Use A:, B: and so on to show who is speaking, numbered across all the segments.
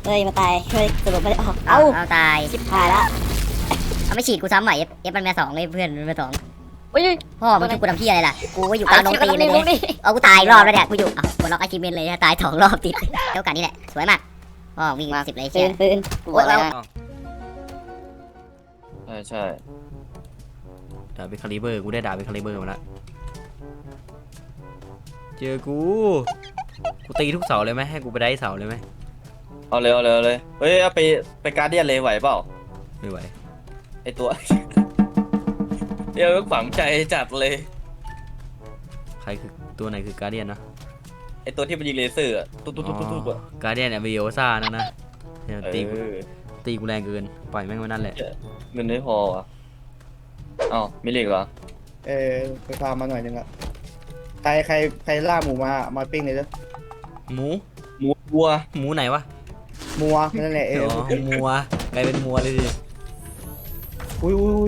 A: เฮ้ยมาตายเฮ้ยสรุปไม่ได้ออก
B: เอาตาย
A: ชิบหายละ
B: เอาไม่ฉีดกูซ้ำใหม่เอฟมันมาสองเลยเพื่อนมันมาสอง
A: อุ้ย
B: พ่อมึงชุบกูทำพี่อะไรล่ะกูก็อยู่กลางดงตีนเลยเนี่ยเอากูตายรอบแล้วเนี่ยกูอยู่บนล็อกอาชีพเมนเลยตาย2 รอบติดเท่ากันนี่แหละสวยมากพ่อวิ่งมา10เลย
A: ปื
B: เชี่ย
A: นปืนกูบอกแล้ว
C: ใช่
D: ดาบเป็นคาลิเบอร์กูได้ดาบเป็นคาลิเบอร์มาแล้วเจอกูตีทุกเสาเลยไหมให้กูไปได้เสาเลยไหม
C: เอาเลยเฮ้ยเอาไปการเดียนเลยไหวเปล่า
D: ไม่ไหว
C: ไอตัว เดี๋ยวฝังใจจัดเลย
D: ใครคือตัวไหนคือการเดียนนะ
C: ไอตัวที่มันยิงเลเซอร์ตุ๊บอะ
D: การเดียนเนี่ยวิโอซ่านะเนี่ย
C: เอ
D: ตีกูแรงเกินปล่อยแม่งไว้นั่นแหละ
C: เงินไม่พออ่ะอ้าวมิลลิกเหรอ
E: ไปฟาร์มมาหน่อยนึงอะใครล่าหมูมาปิ้งเลยเด้อ
D: หมู
C: วัว
D: หมูไหนวะ
E: มัวนั่นแหละ
D: มัวกลายเป็นมัวเลยดิ
E: อุ้ย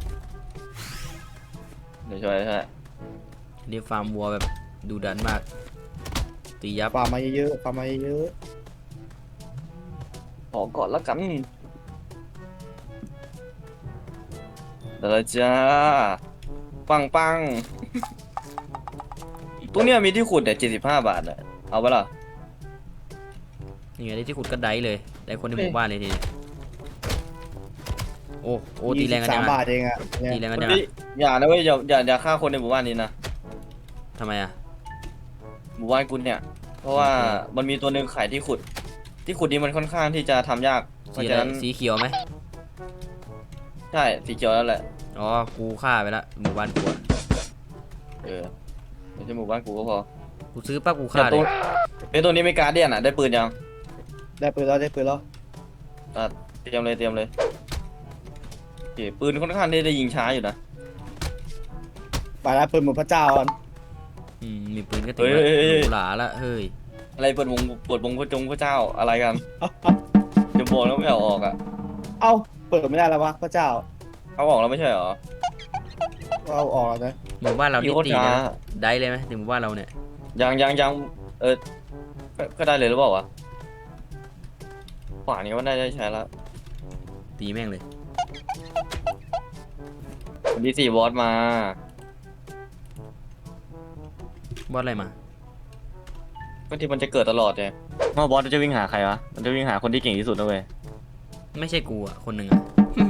C: เดี๋ยวช่วย
D: นี่ฟาร์มวัวแบบดูดันมากตียับ
E: ฟาร์มมาเยอะ
C: ขอก่อนแล้วกันเดี๋ยวจ้าปังตัวเนี้ยมีที่ขุดเนี่ย75 บาทอ่ะเอาปะล่ะ
D: นี่ไงที่ขุดก็ได้เลยได้คนในหมู่บ้านเลยทีนี้โอ้ตีแรงกันจัง
E: 3 บาทเองอะ
D: ตีแรงกัน
C: วัน
D: จัง
C: นี้อย่านะเว้ยอย่าฆ่าคนในหมู่บ้านนี้นะ
D: ทำไมอ่ะ
C: หมู่บ้านกูเนี่ยเพราะว่ามันมีตัวหนึ่งขายที่ขุดนี้มันค่อนข้างที่จะทำยากเพราะ
D: สี
C: ฉะ
D: อะไร
C: นั้น
D: สีเขียวไหม
C: ใช่สีเขียวแล้วแหละ
D: อ๋อกูฆ่าไปละหมู่บ้านกูอะ
C: ไม่ใช่หมู่บ้านกูก็พอ
D: กูซื้อปั๊บกูฆ่า
C: แต่
D: เล
C: ตัวยนี้ไม่การเดียนอ่ะได้ปืนยัง
E: ได้ปืนแล้ว
C: เตรียมเลยโอเคปืนค่อนข้างที่จะยิงช้าอยู่นะ
E: ไปแล้วปืนหมูพระเจ้าอ่ะ
D: มีปืนก็ติดหลาละเฮ้ย
C: อะไรเปิดวงพระเจ้าอะไรกันจะบอกแล้วไม่เอาออกอ่ะ
E: เอ้าเปิดไม่ได้แล้ววะพระเจ้า
C: เอาออกแล้วไม่ใช่เหรอ
E: เอาออกแล้วนะ
D: หมู่บ้านเรา
C: มี
D: นี่
C: โคตร
D: ตี
C: ช้า
D: นะได้เลยไหมถึงหมู่บ้านเราเนี่ย
C: ยังก็ได้เลยหรือเปล่าวะขวานี้ว่าได้ใช้แล้ว
D: ตีแม่งเลย
C: วันที่4 บอสมา
D: บอสอะไรมา
C: ก็ที่มันจะเกิดตลอดไงว่าบอสจะวิ่งหาใครวะมันจะวิ่งหาคนที่เก่งที่สุดนะเว้ย
D: ไม่ใช่กูอ่ะคนหนึ่งอ่ะ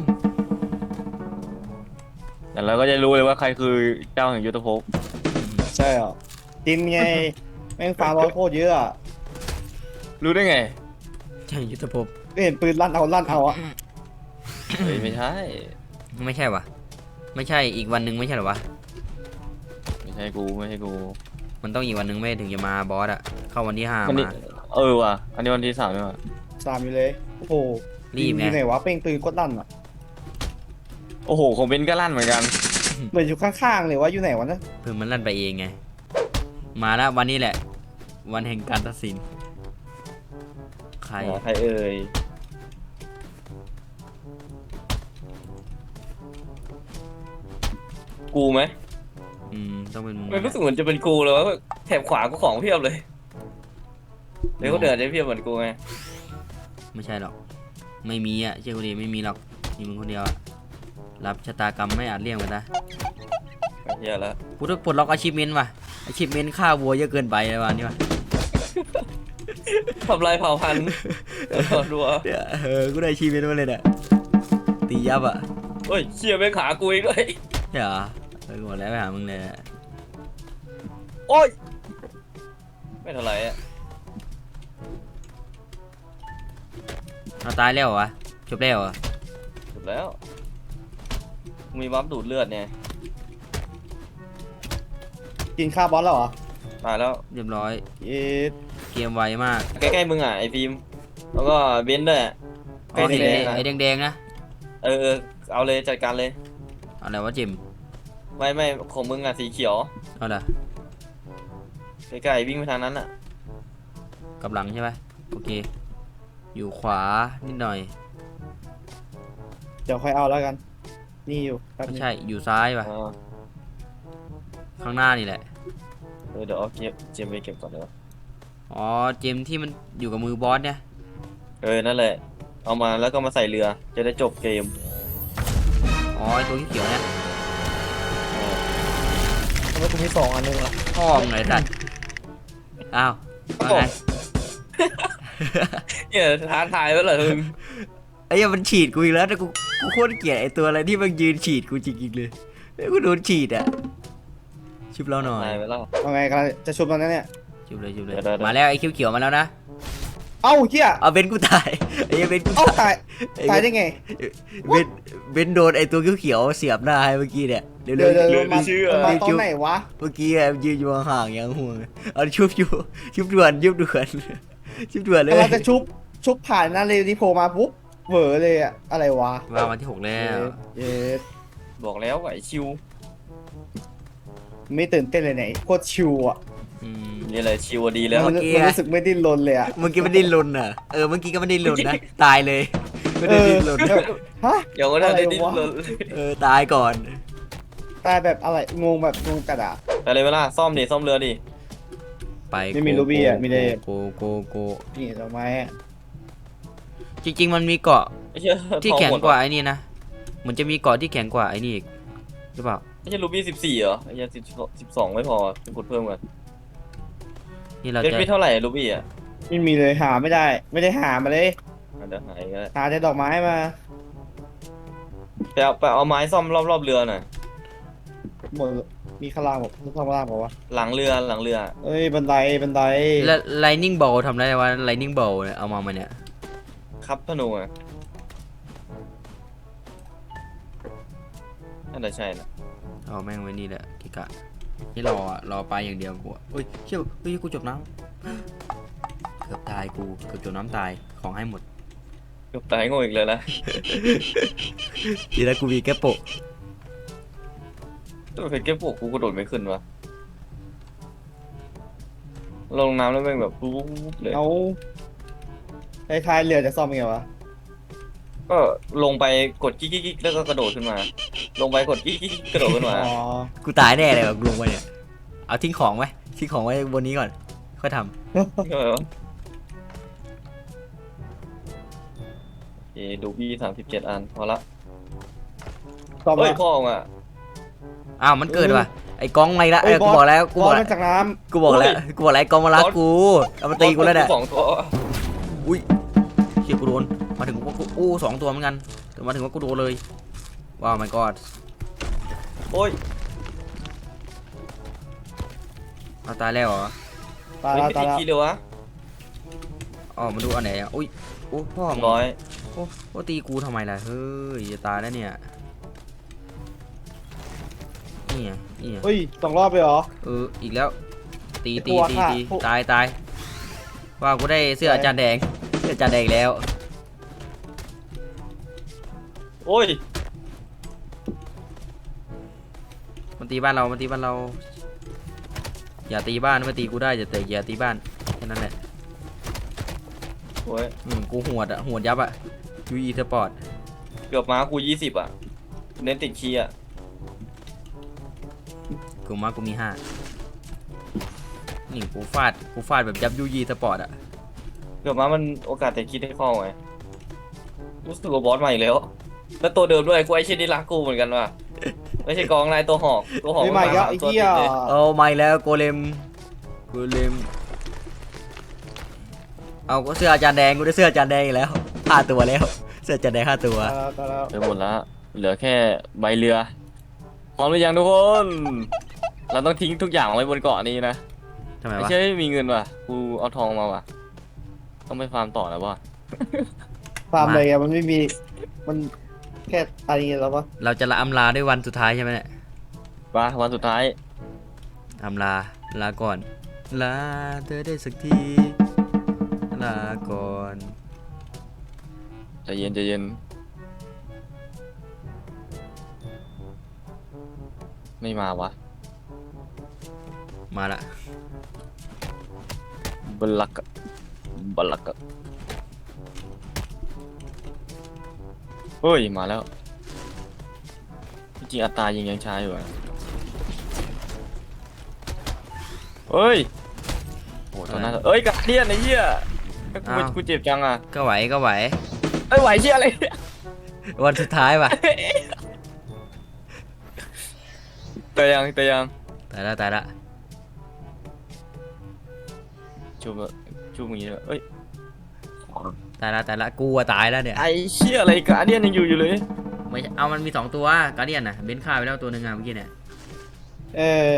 C: แต่เราก็จะรู้เลยว่าใครคือเจ้าแห่งยุทธภพ
E: ใช่เหรอจินไงแม่งฟาร์มโคตรเยอะอะ
C: รู้ได้ไง
D: ใช่ยุทธภพ
E: ไม่เห็นปืนลั่นเอาอะ
C: เฮ้ยไม่ใช่
D: ไม่ใช่วะไม่ใช่อีกวันหนึ่งไม่ใช่หรอวะ
C: ไม่ใช่กู
D: มันต้องอีกวันหนึ่งไม่ถึงจะมาบอสอ่ะเข้าวันที่5
C: วันนี้
D: มา
C: ว่ะอันนี้วันที่3เนี่ยว่ะ
E: 3อยู่เลยโอ้โห
D: รีบไง
E: อยู่ไหนวะเป้งปืนโคตรลั่นอะ
C: โอ้โหของเบนก็ลั่นเหมือนกัน
E: เหมือนอยู่ข้างๆเลยว่าอยู่ไหนวะนะ
D: เพิ่งมันลั่นไปเองไงมาแล้ววันนี้แหละ วันแห่งการตัดสินใคร
C: ใครเอ่ยกูไหม
D: ต้องเป็นมึง
C: มันรู้สึกเหมือนจะเป็นกูเลยว่าแถบขวากูของเพียบเลยเดี๋ยวเขาเดินได้เพียบเหมือนกูไง
D: ไม่ใช่หรอกไม่มีอ่ะเชื่อกูดิไม่มีหรอกมีมึงคนเดียวอะรับชะตากรรมไม่อาจเลี่ยงไปได้
C: เฮียแล้ว
D: กูต้องปลดล็อกอาชีพเมนว่ะอาชีพเมนฆ่าวัวเยอะเกินไปเลยวันนี้ว่ะ
C: ทำลายเผ่าพันธุ์ดูอ่ะ
D: กูได้อาชีพเมนมาเลยเนี่ยตียับอ่ะ
C: เฮ้ยเชี่ยไปขากูอีกด้วย
D: ใช่เหรอกูบอกแล้วไปหามึงเลย
C: โอ้ยไม่เท่าไหร่อ่ะ
D: เอาตายแล้วเหรอวะจบแล้วเหรอ
C: จบแล้วมีบัฟดูดเลือดเนี่ย
E: กินข้าวบอสแล้วเหรอ
C: ตายแล้ว
D: เรียบร้อย
E: เอ๊ะ
D: เกมไวมาก
C: ใกล้ๆมึงอ่ะไอ้ฟิล์มแล้วก็เบนซ์ด้วย
D: อ๋อ
C: ใกล้สีแดงนะ
D: ไอ้แดงๆนะ
C: เอาเลยจัดการเลย
D: อะไรวะจิม
C: ไม่ของมึงอ่ะสีเขียว
D: เอาล่ะ
C: ใกล้ๆวิ่งไปทางนั้นอ่ะ
D: กับหลังใช่ไหมโอเคอยู่ขวานิดหน่อย
E: เดี๋ยวค่อยเอาแล้วกัน นี่อยู่แป๊บ
D: ไม่
E: นึง
D: ใช่อยู่ซ้ายป่ะ
C: อ๋อ
D: ข้างหน้านี่แหละ
C: เดี๋ยวเอาเจมไปเก็บก่อนเดี๋ยว
D: อ๋อเจมที่มันอยู่กับมือบอสเนี่ย
C: นั่นแหละเอามาแล้วก็มาใส่เรือจะได้จบเกม
D: อ๋อไอตัวเขียวๆเนี่ย
E: ทำไมกูมี2 อันนึงอ่ะ
D: พ่อมึงไงสัตว์อ้าวว่าไง
C: เนี่ยท้าทายไว้เหรอมึง
D: ไอ้เหี้ยมันฉีดกูอีกแล้วแต่กูโคตรเกลียดไอ้ตัวอะไรที่มันยืนฉีดกูจริงๆเลยไอ้กูโดนฉีดอ่ะชุบเราหน่อย
C: ตายไปแล้ว
E: ว่าไงกำลังจะชุบตอนนั้นเนี่ย
D: ชุบเลย
C: เดี๋ยวๆ
D: มาแล้วไอ้เขียวๆมาแล้วนะ
E: เอ้าเฮีย
D: เอาเบนกูตายไอ้เหี้ยเบนกู
E: เอ้า
D: ตาย
E: ตายได้ไง
D: เบนโดนไอ้ตัวเขียวๆเสียบหน้าให้เมื่อกี้เนี่ยเร็ว
E: เดี๋ยว
D: ๆ
E: เดี๋ยวมาตอนไหนวะ
D: เมื่อกี้อะยืนอยู่ห่างๆอย่างห่วงเอาชุบด่วนชุบด่วนชุบด่วนเลย
E: กำลังจะชุบผ่านหน้าเรดิโพมาปุ๊บเหวอเลยอะอะไรวะ
D: ว่าวันที่ 6 แล้ว
E: เย็ด
C: บอกแล้วไหวชิว
E: ไม่ตื่นเต้นเลยไหนโคตรชิวอ่ะ
D: อืม
C: นี่เลยชิวดีแล้ว
E: มันรู้สึกไม่ดิ้นรนเลยอ่ะ
D: เมื่อกี้มันดิ้นรนอ่ะเมื่อกี้ก็ไม่ดิ้นรนนะตายเลยไม่ได้ดิ้นรน
E: ฮะ
C: เดี๋ยวก็ได้ดิ้นรน
D: ตายก่อน
E: ตายแบบอะไรงงแบบงงกระดาษ
C: ไปเลยเวลาซ่อมเรือดิ
D: ไป
E: ไม่มีรูบี้อะมีแต่
D: โก
E: นี่ดอกไม้อะ
D: จริงๆมันมีเกาะ
C: ไม่ใช่
D: ที่แข็งกว่าไอ้นี่นะเหมือนจะมีเกาะที่แข็งกว่าไอ้นี่อีกหรือเปล่า
C: ไม่ใช่รูบี้14เหรอไอ้ยัง12ไม่พอเป็นกดเพิ่มกัน
D: นี่เรา
C: เล่น
D: จะ
C: ไปเท่าไหร่รูบี้อ่ะ
E: ไม่มีเลยหาไม่ได้ ไม่ได้หามาเลย
C: เดี๋ยวหายก็ได้
E: หาแต่ดอกไม้มา
C: ไปเอาไม้ซ่อมรอบเรือหน่อย
E: หมดมีข้างล่างบอกข้างล่างบอกว่า
C: หลังเรือ
E: เอ้ยบันได
D: แล้ว lightning ball ทำได้ว่า lightning ball เนี่ยเอามาเนี่ย
C: ครับธนูอ่ะน่าจะใช่นะ
D: เอาแม่งไว้นี่แหละกิกะนี่รอไปอย่างเดียวกูอะเฮ้ยเชี่ยเฮ้ยกูจบน้ำเกือบตายกูเกือบจมน้ำตายของให้หมด
C: เกือบตายโง่อีกเลยนะ
D: ทีแรกกูมีแค่โปะ
C: ตัวเพชรเก็บพวกกูกระโดดไม่ขึ้นวะลงน้ำแล้วแม่งแบบปุ๊บเลย
E: เอาท้ายเรือจะซ่อมยังไงวะ
C: ก็ลงไปกดกิ๊กแล้วก็กระโดดขึ้นมา ลงไปกดกิ๊กกระโดดขึ้นมา
E: อ๋อ
D: กูตายแน่เลยแบบลงไปเนี่ยเอาทิ้งของไว้บนนี้ก่อนค่อยท
C: ก็แบบว่าดูบี้37 อันพอละ
E: ซ่อม
C: เฮ้ย
E: ละ
C: พ่อมึงอ่ะ
D: ำอ้าวมันเกิดว่ะไอ้กองไม่ละ
E: เอ้ย
D: กูบอกแล้วกู
E: บบ อ
D: อก
E: ล
D: แล้ว
E: มาจากน้
D: กูบอกแล้วไอ้กองมารักกูเอามาตีกูแล้วเนี่ย
C: 2 ตัว
D: อุ้ยเชี่ยกูโดนมาถึงว่ากู2 ตัวเหมือนกันแต่มาถึงว่ากูโดนเลยว้าว my god
C: โอ้ย
D: เอาตายแล้วเหรอ
E: ำตาย
C: ไม่
E: แล้ว
C: ติ
E: ตาย
C: ด
E: แล้ว
C: ขี้เลยวะ
D: อ๋อมาดูอันไหนอ่ะอุ้ยโอ้พ่อมึง
C: ร้อย
D: โอ้ตีกูทำไมล่ะเฮ้ยจะตายแล้วเนี่ยนี่ไง
E: เฮ้ย2 รอบเลยเหรอ
D: อีกแล้วตี
E: พวกอะพวก
D: ตายว่ากูได้เสื้ออาจารย์แดงอีกแล้ว
C: โอ้ย
D: มันตีบ้านเราอย่าตีบ้านไม่ตีกูได้แต่อย่าตีบ้านแค่นั้นแหละ
C: โอ้ย
D: กูหวดยับอ่ะยูอีสปอร์ต
C: เกือบมากู20อ่ะเน้นติดขี้อ่ะ
D: กูมี5นี่กูฟาดแบบยับยูอีสปอร์ตอ่ะ
C: เกือบมามันโอกาสติดขี้ได้ข้อไงรู้สึกว่าบอสใหม่แล้วแล้วตัวเดิมด้วยกูไอ้เช่นนี่รักกูเหมือนกันว่ะไม่ใช่กองนายตัวหอก
E: ไม่มาอีกแล้วไอ้
C: ตัว
E: เหี้ย
C: ติดเลย
D: เอาไม่แล้วโกเลมเอาก็เสื้ออาจารย์แดงกูได้เสื้ออาจารย์แดงอีกแล้ว5 ตัวแล้วเสื้ออาจารย์แดง5 ตัว
E: ตายแล้ว
C: ไปหมดแล้วเหลือแค่ใบเรือพร้อมหรือยังทุกคน เราต้องทิ้งทุกอย่างไว้บนเกาะนี้นะ
D: ทำไม
C: ไม่
D: วะ
C: ใช่ไม่มีเงินว่ะกูเอาทองมาว่ะต้องไปฟาร์มต่อแล้วว่ะ
E: ฟาร์มเลยอะมันไม่มีมันแค่ตายแล้วปะ
D: เราจะละอำลาด้วยวันสุดท้ายใช่ไหมเนี่ย
C: มาวันสุดท้าย
D: อำลาก่อนลาเธอได้สักทีลาก่อน
C: ใจเย็นไม่มาวะ
D: มาละ
C: บลักอะเฮ้ยมาแล้วจริงๆอัตรายังช้าอยู่อะเฮ้ยโอ้ตอนนั้นเอ้ยกัดเดียนไอ้เหี้ยกูเจ็บจังอ่ะ
D: ก็ไหวก็ไหว
C: ไอ้ไหวเชี่ยอะไร
D: วันสุดท้ายว่ะ
C: ตายยัง
D: ตายละ
C: ชูมึงอย่างนี้เลยเอ้ย
D: ตายละกูอะตายแล้วเนี่ย
C: ไอ้เชี่ยอะไรกาเดียนยังอยู่เลย
D: ไม่ใช่เอามันมี2ตัวการเดียนน่ะเบนฆ่าไปแล้วตัวหนึ่งอะเมื่อกี้เนี่ย
E: เออ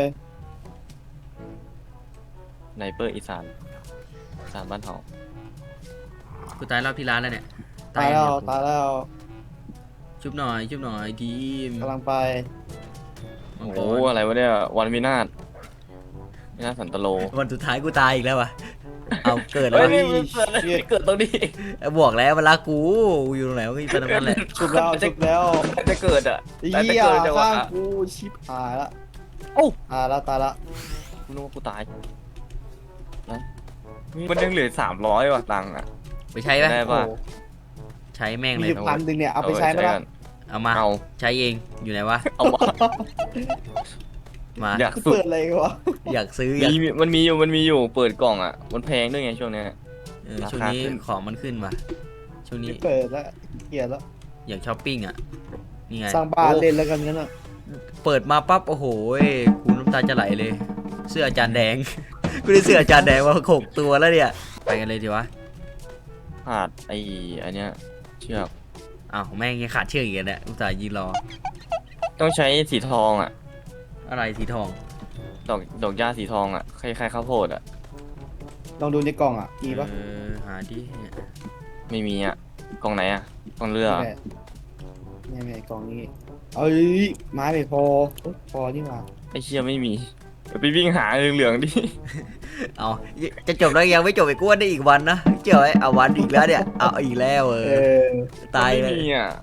C: ไนเปอร์อีสานบ้านทอง
D: กูตายรอบที่ร้านแล้วเนี่ย
E: ตายแล้ว
D: อย่งเดี
E: ตายแล้ว
D: ชุบหน่อยทีม
E: กำลังไป
D: มังก
C: โอ้
D: ร
C: อะไรวะเนี่ยวันวินาศสันตโล
D: วันสุดท้ายกูตายอีกแล้ววะเอาเกิดแล้
C: เฮ้
D: วย
C: นี่มันเกิดอะไรเกิดตรงนี้
D: บอกแล้วมันรักกูอยู่ตรงไหนก็อยู่ตรงนั้นแหละ
E: ชุบแล้วชุบแล้ว
C: จะเกิดอ่ะ
E: เหี้ย
C: เกิดจังหวะ
E: ข้างกูชิบหายละ
C: โอ้
E: ตายละ
C: กูนึกว่ากูตายนะมันยังเหลือ300ว่ะตังค์อ่ะ
D: ไปใช้ปะ
C: ได้
E: โอ้
C: ป่ะ
E: โห
D: ใช้แม่ง
E: มี
D: เล
E: อย ยู่1,000เนี่ยเอาไปใช้ไหมล่ะ
C: กัน
D: เอามา
C: เอา
D: ใช้เองอยู่ไหนวะ
C: เอามา
D: มา
C: อยากสุด
E: เปิดอะไรกันวะ
D: อยากซื้ออยาก
C: มันมีอยู่เปิดกล่องอ่ะมันแพงด้วยไงช่วงเนี้ย ราคา
D: ช่วงนี้
C: ขึ้น
D: ของมันขึ้นว่ะช่วงนี้
E: เปิดแล้วเกลียดแล้ว
D: อยากช้อปปิ้งอ่ะนี่ไง
E: สร้างบ้านเล่นแล้วกันงั้นอ่ะ
D: เปิดมาปั๊บโอ้โหกูน้ำตาจะไหลเลย เสื้ออาจารย์แดง กูได้เสื้ออาจารย์แดงมา6 ตัวแล้วเนี่ยไปกันเลยทีวะ
C: ขาดอันเนี้ยเชือก
D: อ้าวแม่งยังขาดเชือกอีกแล้วเนี่ยอุตส่าห์ยืนรอ
C: ต้องใช้สีทองอ่ะ
D: อะไรสีทอง
C: ดอกหญ้าสีทองอ่ะคล้ายๆข้าวโพดอ่ะ
E: ลองดูในกล่องอ่ะมีปะ
D: หาดิเนี่ย
C: ไม่มีอ่ะกล่องไหนอ่ะกล่องเรือเหรอ
E: ไม่กล่องนี้เอ้ยไม้ไม่พอพอนี่หว่า
C: ไอ้เชี่ยไม่มีเดี๋ยวไปวิ่งหาเหลืองๆดิ
D: เอาจะจบแล้วยังไม่จบอีกกูว่าได้อีกวันนะเจ้าไอ้เอาวันอีกแล้วเนี่ยเอาอีกแล้ว
E: เออ
D: ตายเล
C: ไม่
D: ย
C: มีอ่ะ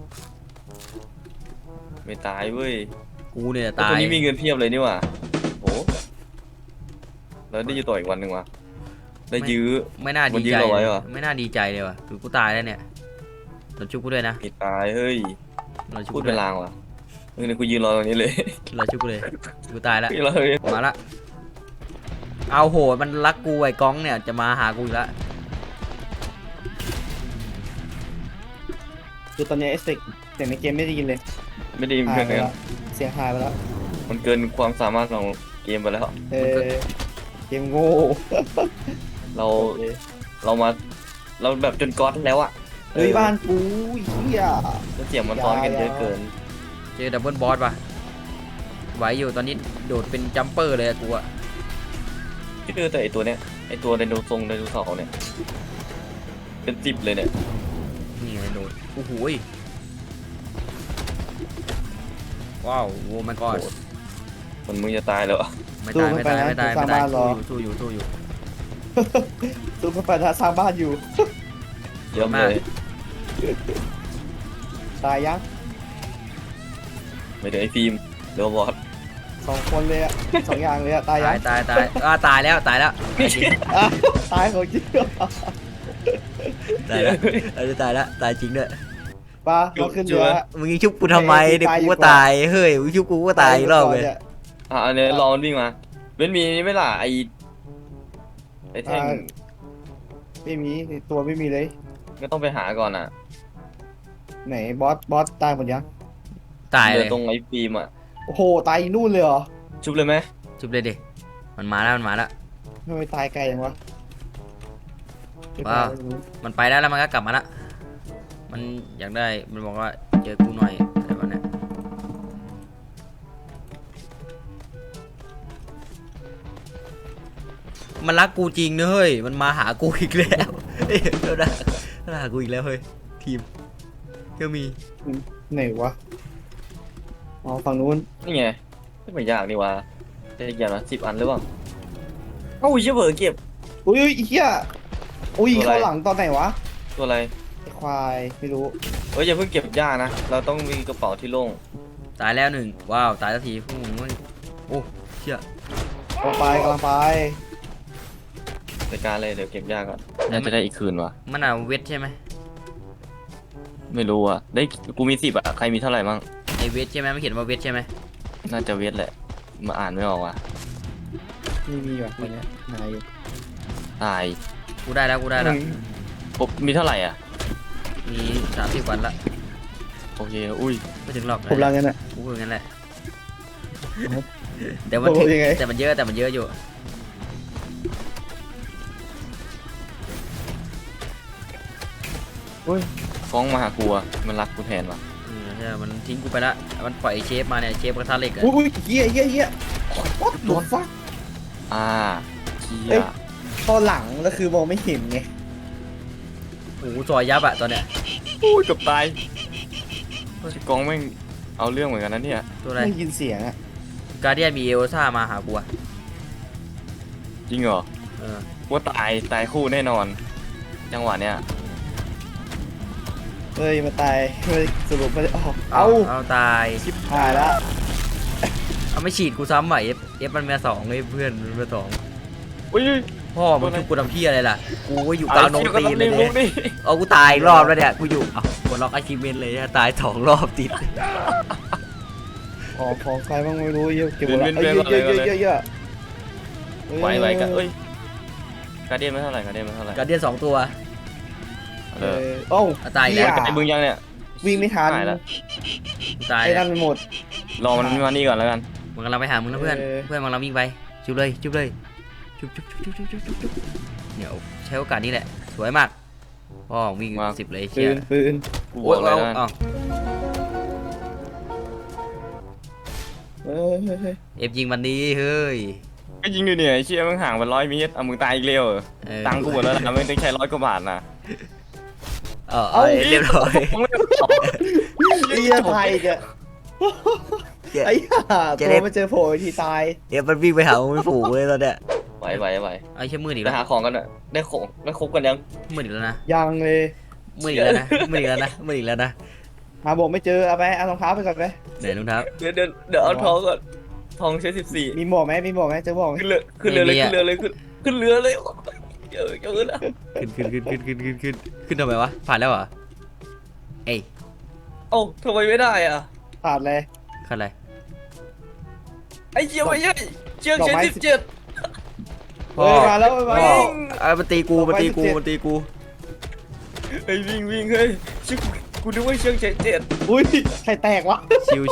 C: ไม่ตายเว้ย
D: กูเนี่ย
C: แต่
D: ตา
C: ตัวย นี้มีเงินเพียบเลยนี่หว่าโอ้แล้วได้อยู่ต่ออีกวันหนึ่งว่ะได้ยื้อ
D: ไม่น่า
C: มั
D: ดี
C: นยื้
D: ใจ
C: อเราไว้เหรอ
D: ไม่น่าดีใจเลยว่ะคือกูตายแล้วเนี่ยเราชุบกูด้วยนะ
C: ไม่ตายเฮ้ย
D: เราชุบ
C: พู
D: กู
C: ด
D: ด้
C: เป็
D: วย
C: นลางว่ะเนี่ยกูยืนรอตรงนี้เลย
D: เราชุบกูเลยกูตายแล้ว
C: ยืนรอตรงนี้
D: มาละเอาโหมันรักกูไอ้ก้องเนี่ยจะมาหากูอีกแล้ว
E: คือตอนนี้เอฟเฟกต์เสียงในเกมไม่ได้ยินเลย
C: ไม่ได้ยิน
E: หา
C: เพื่
E: ย
C: อน
E: ไป
C: เลย
E: แล้วเสียงหายไปแล้ว
C: มันเกินความสามารถของเกมไปแล้ว
E: เออเกมโง่
C: เรามาเราแบบจนก๊อตแล้วอ่ะ
E: เฮ้ยบ้านกูเฮีย
C: แล้วเสียงมันซ้อนกันเยอะเกิน
D: เจอดับเบิลบอสป่ะไหวอยู่ตอนนี้โดดเป็นจัมเปอร์เลยอะกูอะ
C: ที่คือแต่ไอตัวเนี้ยไอตัวไดโนเสาร์เนี่ยเป็น10เลยเนี่ย
D: นี่ไงโดดโอ้โหยว้าวโว้ my god
C: มันมึงจะตายแล้วอะ
D: ไม่ตายสู้อยู่
E: ตู้เข้าไปถ้าสร้างบ้านอยู่
C: เยอะเลย
E: ตายยัง
C: ไม่เดี๋ยวไอฟิล์มเดี๋ยวบอส
E: 2 คนเลยอะ2 อย่างเลยอะตายยั
D: ตาง ยตายแล้วตายแล้ว
E: อ่ะตายของจริง
D: ตายแล้วตายแล้วตายจริงด้วย
E: ปลาเราขึ้นเรือ
D: มึงยิงชุบกูทำไมเดี๋ยวกูก็ตายเฮ้ยมึงชุบกูก็ตายอีกรอบเลย
C: อันนี้รอมันวิ่งมาเว้นมีนี่ไม่ล่ะไอแท่ง
E: ไม่มีตัวไม่มีเลย
C: ก็ต้องไปหาก่อนอ่ะ
E: ไหนบอสตายหมดยัง
D: ตาย
C: เห
D: เล
C: ลือย ตรงไอฟิล์มอ่ะ
E: โอ้โหตายนู่นเลยเหรอ
C: ชุบเลยไหม
D: ชุบเลยดิมันมาแล้ว
E: ทำไมตายไกลจังวะ
D: ว้าว มันไปได้แล้วมันก็กลับมาละมันอยากได้มันบอกว่าเจอกูหน่อยอะไรแบบนี้มันรักกูจริงนะเฮ้ยมันมาหากูอีกแล้วเฮ้ยเดี๋ยวนะมาหากูอีกแล้วเฮ้ยทีมก็มี
E: ไหนวะอ๋อฝั่งนู้น
C: นี่ไงไม่ยากนี่วะได้กี่อันวะ10 อันหรือเปล่าเอ้าเชี่ยเผลอเก็บ
E: อุ้ยเฮียอุ้ย
C: ตัวอะไร
E: เข้าหลังตอนไหนวะ
C: ตัวอะไร
E: ไอ้ควายไม่รู้
C: เฮ้ยอย่าเพิ่งเก็บยานะเราต้องมีกระเป๋าที่โล่ง
D: ตายแล้วหนึ่งว้าวตายสักทีพวกมึงโอ้เชี่ย
E: กำลังไป
C: ในการเลยเดี๋ยวเก็บยาก่อนน่าจะได้อีกคืนวะ
D: มันเอาเวทใช่ไหม
C: ไม่รู้อ่ะได้กูมี10อ่ะใครมีเท่าไหร่มั่ง
D: ไอเวทใช่ไหมไม่เขียนว่าเวทใช่ไหม
C: น่าจะเวทแหละมาอ่านไม่ออกว่ะ
E: มีว่ะคนเนี้ยนายอยู่
C: ตาย
D: กูได้แล้วกูได้แล้ว
C: ผมมีเท่าไหร่อ่ะ
D: มี30 วันละ
C: โอเคอุ้ย
D: ไม่ถึงหรอก
E: ผมรังกันอ่ะ
D: กูพูดงั้นแหละ
E: ครับ
D: แต่มัน
E: ผมยังไง
D: แต่มันเยอะอยู่
C: ฟ้องมาหากูอะมันรักกูแทนว่ะ
D: ใช่มันทิ้งกูไปละมันปล่อยเชฟมาเนี่ยเชฟกระทะเหล็กอะ
E: อุ้ยเหี้ยwhat the fuck
C: เชี่
E: เอ้
C: ย
E: ย ตอนหลังก็คือมองไม่เห็นไง
D: โอ้โหซอยยับอะตอนเนี้ย
C: อุ้ยเกือบตายกองแม่งเอาเรื่องเหมือนกันนะเนี่ย
D: ตัวอะไร
E: ไม่ยินเสียงอ่ะ
D: การเดียนมีเอลซ่ามาหากูอะ
C: จริงเหรอ
D: เออ
C: ว่าตายคู่แน่นอน จังหวะเนี้ย
E: เฮ้ยมาตายเฮ้ยสรุปไม่ได้ออก
D: เอาตาย
E: หายละ
D: เอาไม่ฉีดกูซ้ำใหม่เอฟมันมา2เลยเพื่อนมันมา2
C: อุ้ย
D: พ่อมึงชุบกูทำเพี้ยอะไรล่ะกูก็อยู่กลางโนนตีนเลย
C: ลุ
D: เนี่ย
C: กดิ
D: เอากูตายอีกรอบแล้วเนี่ยกูอยู่เอากดล็อกอาชีพเมนเลยนะตาย2 รอบติด
E: ของใครบ้างไม่รู้เยอะเก็บหมดละเยอะ
C: ไหวกันเอ้ยการเดียนไม่เท่าไหร่การเดียนไม่เท่าไหร่
D: การเดียน2 ตัว
C: เออ
E: โอ้
D: ตายอีกแล้ว
C: ไอ้มึงยังเนี่ย
E: วิ่งไม่ทัน
C: หายแล้ว
D: กูตาย
E: ไอ้นั่นหมด
C: รอมันมานี่ก่อนแล้วกัน
D: มึงกำลังไปหามึงนะเพื่อน
E: เออ
D: เพื่อนมึงกำลังวิ่งไปชุบเลยชุบเนี่ยใช้โอกาสนี้แหละสวยมากพ่อวิ่ง10เลย
E: ปื
D: เชี่ย
E: นปืน
C: กูบอกเลยนะ
D: เอา
E: เฮ้ย
D: เอฟยิงมันดีเฮ้ย
C: ก็ยิงดูเนี่ยไอ้เชี่ยมึงห่างไป100 เมตรเอามึงตายอีกเร็วเหรอ
D: เออ
C: ตังค์กูหมดแล้วนะไม่ต้องใช้100 กว่าบาทนะ
D: เอาเรียบร้อย
E: ไอ้เหี้ยไทยแกไอ้ห่าตัวมาเจอโผล่ทีตาย
D: เอฟมันวิ่งไปหามึงไม่ฝูงเลยตอนเนี้ย
C: ไหว
D: ไอ้เชี่ยมืดอีก
C: ไป
D: แล้ว
C: หาของกันอ่ะได้ของได้ครบกันยัง
D: มืดอีกแล้วนะ
E: ยังเลย
D: มืดอีกแล้วนะมืดอีกแล้วนะมืดอีกแล้วนะ
E: หาบอกไม่เจอเอาไปเอารองเท้าไปก่อนไป
D: เดี๋ยวลุงเท้า
C: เดี๋ยวเอาทองก่อนทองใช้14
E: มีหมวกไหมเจอหมวกไหม
C: ขึ้นเรือเลยขึ้นเรือเลยเยอะนะ
D: ขึ้นทำไมวะผ่านแล้วเหรอเอ้ย
C: เอ้าทำไมไม่ได้อ่ะ
E: ขาดเลย
D: ขั้นอะไร
C: ไอ้เชี่ยไม่ใช่เชือกใช้17
D: พ่อ
E: มาแล้วมา
D: พ่อมันตีกูไ
C: ไอ้วิ่งเฮ้ยชื่อกูนึกว่าเชือกใช้7
E: อุ้ยใครแตกวะ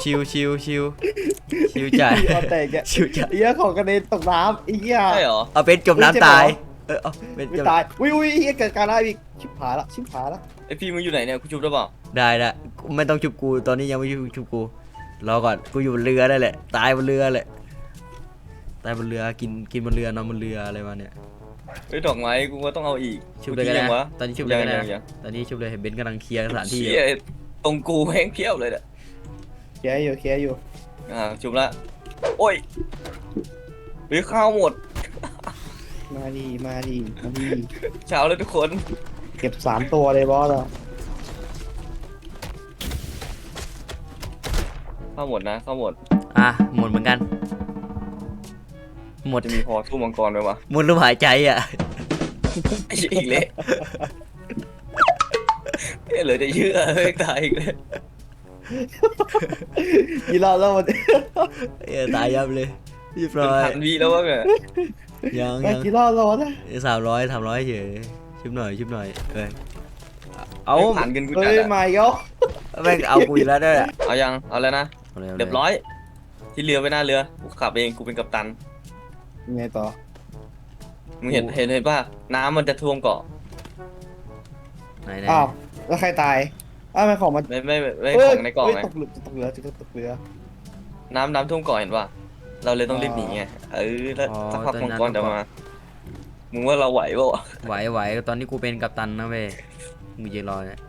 D: ชิวจ่าย
E: เอาแตกแก
D: ชิวจ่าย
E: ไอ้เหี้ยของกระเด็นตกน้ำไอ้เหี้ย
C: ใช่เหรอ
D: เอาเป็นจมน้ำตายเอาเป็น
E: ไม่
D: จม
E: ตายอุ้ยไอ้เหี้ยเกิดการอะไรอีกชิบหายละ
C: ไอพี่มึงอยู่ไหนเนี่ยกูชุบได้เปล่า
D: ได้ไม่ต้องชุบกูตอนนี้ยังไม่ชุบกูรอก่อนกูอยู่บนเรือได้แหละตายบนเรือแหละตายบนเรือกินบนเรือนอนบนเรืออะไรมาเนี่ย
C: ไอ้ดอกไม้กูก็ต้องเอาอีก
D: ชุบเลยก็ได้นะตอนนี้ชุบเลยก็ได้
C: ยัง
D: นะตอนนี้ชุบเลยเห็นเบนซ์กำลังเคลียร์สถานที่
C: เชี่ยตรงกูแห้งเพียบเลยเนี่ย
E: เคลียร์อยู่
C: ชุบละโอ้ยหรือข้าวหมด
E: มาดี
C: เช้าเลยทุกคน
E: เก็บ3 ตัวเลยบอสอ่ะ
C: ข้าวหมดนะข้าวหมด
D: หมดเหมือนกันหมด
C: จะมีพอสู้มังกรไหมวะ
D: หมดลมหายใจอ่ะ
C: ไอ้เชี่ยอีกเลยเหลือจะเชื่อเฮ้ยตายอีกเลย
E: กี่รอบแล้วมัน
D: ตายยับเลยเรียบ
C: เป็น
D: ร้อย
C: พันวิแล้ววะเนี่ย
D: ยัง
E: กี่รอบแล้วนะ
D: 300เฉยชุบหน่อยเอา
C: ผ่านกันกู
E: เฮ้
C: จัด
E: ย
C: อะ
E: มาอีกแล้ว
D: แม่งเอากูอีกแล้วเนี่ย
C: เอายังเอาแล้วนะเรียบร้อยที่เรือไปหน้าเรือกูขับเองกูเป็นกัปตัน
E: ยังไงต่อ
C: มึงเห็นป่ะน้ำมันจะท่วมเกาะ
D: ไหน
E: อ้าวแล้วใครตายอ้าวไม่ของมัน
C: ไม่ของในเกาะไง
E: ตกเรือ
C: น้ำท่วมเกาะเห็นป่ะเราเลยต้องรีบหนีไงแล้วสักพักมังกรจะมามึงว่าเราไหวป่ะ
D: ไหวตอนนี้กูเป็นกัปตันนะเว้ยมึงยืนรอเนี่ย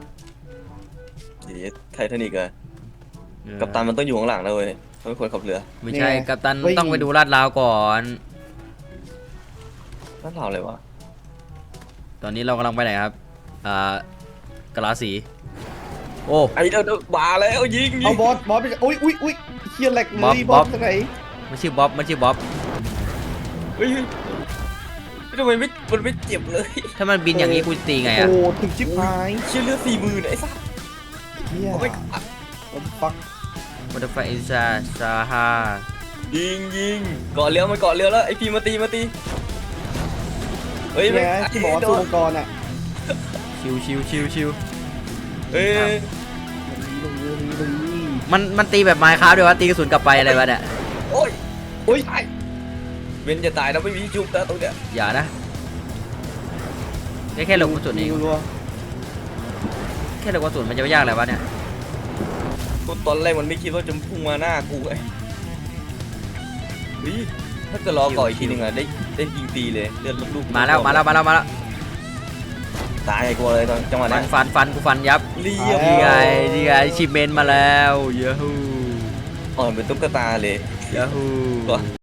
C: ไททานิกอะกัปตันมันต้องอยู่ข้างหลังนะเว้ยเขาเป็นคนขับเรือ
D: ไม่ใช่กัปตันต้องไปดูลาดราวก่อน
C: นั่นเราเลยวะ
D: ตอนนี้เรากำลังไปไหนครับกะลาสีโอ้
C: ไอ้เดี๋ยวมาแล้วยิง
E: เอาบอสไปอุ้ยเฮียแหลกเลยบอสที่ไหน
D: มันชื่อบ๊อบ
C: เฮ้ยทำไมมันไม่เจ็บเลย
D: ถ้ามันบินอย่างนี้กูตีไงอ่ะ
E: โอ้ถึงชิบหาย
C: เชื่อเลือด40,000ไอ้สัส
E: เฮีย
C: โอ้ย
E: ฟัก
D: วัตถุไฟอินซาฮา
C: ยิงเกาะเรือมันเกาะเรือแล้วไอ้พีมาตีฮ้ย
E: เนี่ยที่บอกว่าสู้มังกรอ่ะ
D: ชิวชิวชิวชิว
C: เฮ้ย
D: มันตีแบบไม้ค้าด้วยวะตีกระสุนกลับไปอะไรวะเนี่ย
C: โอ้ย
E: โอ้ย
C: ตายเว้นจะตายแล้วไม่มีจุบนะตรงเนี้ย
D: อย่านะแค่หลบกระสุนเอง
E: รัว
D: แค่หลบกระสุนมันจะไม่ยากอะไรวะเนี่ย
C: กูตอนแรกมันไม่คิดว่าจะพุ่งมาหน้ากูไอ้เฮ้ยถ้าจะรอก่อนอีกทีนึงอะได้ยิงตีเลยเลือดลูกๆ
D: มาแล้ว
C: ตายกูเลยตอนจังหวะนั้น
D: ฟันกูฟันยับ
C: เรียบ
D: นี่ไงชิมเมนมาแล้วยูฮู
C: อ่อนเป็นตุ๊กตาเลย
D: ยูฮู